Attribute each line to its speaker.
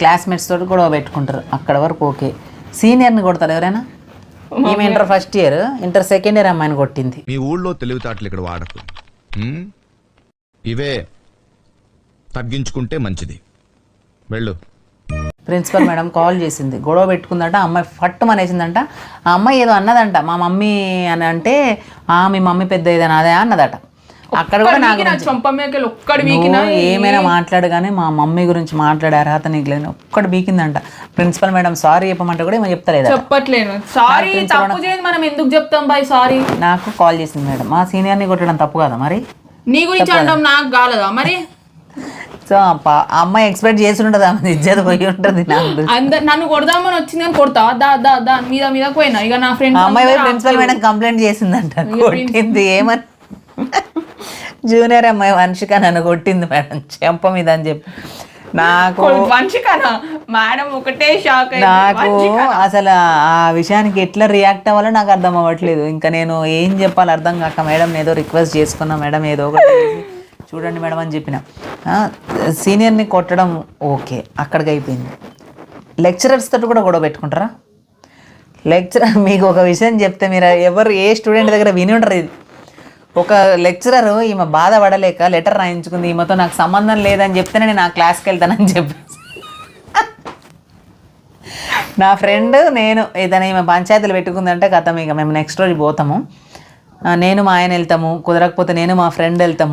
Speaker 1: Classmates తోటి గొడవ పెట్టుకుంటారు, అక్కడ వరకు ఓకే. సీనియర్ని కొడతారు ఎవరైనా? ఈమె inter first year, inter second year అమ్మాయిని కొట్టింది.
Speaker 2: మీ ఊళ్ళో తెలివితేటలు ఇక్కడ వాడకు, ఇవే తగ్గించుకుంటే మంచిది. వెళ్ళు.
Speaker 1: ప్రిన్సిపల్ మేడం కాల్ చేసింది, గొడవ పెట్టుకుందంట, అమ్మాయి ఫట్టు అనేసిందంట. ఆ అమ్మాయి ఏదో అన్నదంట, మా మమ్మీ అని అంటే మీ మమ్మీ పెద్ద ఏదైనా అదే అన్నదట. అక్కడ కూడా నాకు ఏమైనా మాట్లాడు కానీ మా మమ్మీ గురించి మాట్లాడే అర్హత నీకు లేదు, ఒక్కడు బీకిందంట. ప్రిన్సిపల్ మేడం సారీ చెప్పమంటే కూడా ఏమో చెప్తలేదు,
Speaker 3: చెప్పట్లేదు. సారీ తప్పు చేయదు, మనం ఎందుకు చెప్తాం బాయ్ సారీ.
Speaker 1: నాకు కాల్ చేసింది మేడం, మా సీనియర్ని కొట్టడం తప్పు కదా మరి,
Speaker 3: నీ గురించి అంటాం నాకు కాలేదా మరి.
Speaker 1: సో అమ్మాయి ఎక్స్పెక్ట్ చేసి ఉంటుంది, ఆమె ఇజ్జత పోయి ఉంటుంది.
Speaker 3: నన్ను కొడదామని వచ్చింది అని కొడతా దా మీద మీద పోయినా. ఇక నా ఫ్రెండ్
Speaker 1: అమ్మాయి ప్రిన్సిపల్ మేడం కంప్లైంట్ చేసిందంట, కొట్టింది. ఏమని జూనియర్ అమ్మాయి వంశిక నన్ను కొట్టింది మేడం చెంప మీద అని చెప్పి. నాకు
Speaker 3: మేడం ఒకటే షాక్.
Speaker 1: నాకు అసలు ఆ విషయానికి ఎట్లా రియాక్ట్ అవ్వాలో నాకు అర్థం అవ్వట్లేదు. ఇంకా నేను ఏం చెప్పాలి అర్థం కాక మేడం ఏదో రిక్వెస్ట్ చేసుకున్నా, మేడం ఏదో ఒకటి చూడండి మేడం అని చెప్పిన. సీనియర్ని కొట్టడం ఓకే, అక్కడికి అయిపోయింది. లెక్చరర్స్ తోటి కూడా గొడవ పెట్టుకుంటారా? లెక్చరర్ మీకు ఒక విషయం చెప్తే మీరు ఎవరు ఏ స్టూడెంట్ దగ్గర విని ఉంటారు ఇది. ఒక లెక్చరర్ ఈమె బాధపడలేక లెటర్ రాయించుకుంది, ఈమెతో నాకు సంబంధం లేదని చెప్తేనే నేను ఆ క్లాస్కి వెళ్తానని చెప్పి. నా ఫ్రెండ్ నేను ఏదైనా ఈమె పంచాయతీలు పెట్టుకుందంటే కథం, ఇక మేము నెక్స్ట్ రోజు పోతాము, నేను మా ఆయన వెళ్తాము, కుదరకపోతే నేను మా ఫ్రెండ్ వెళ్తాము.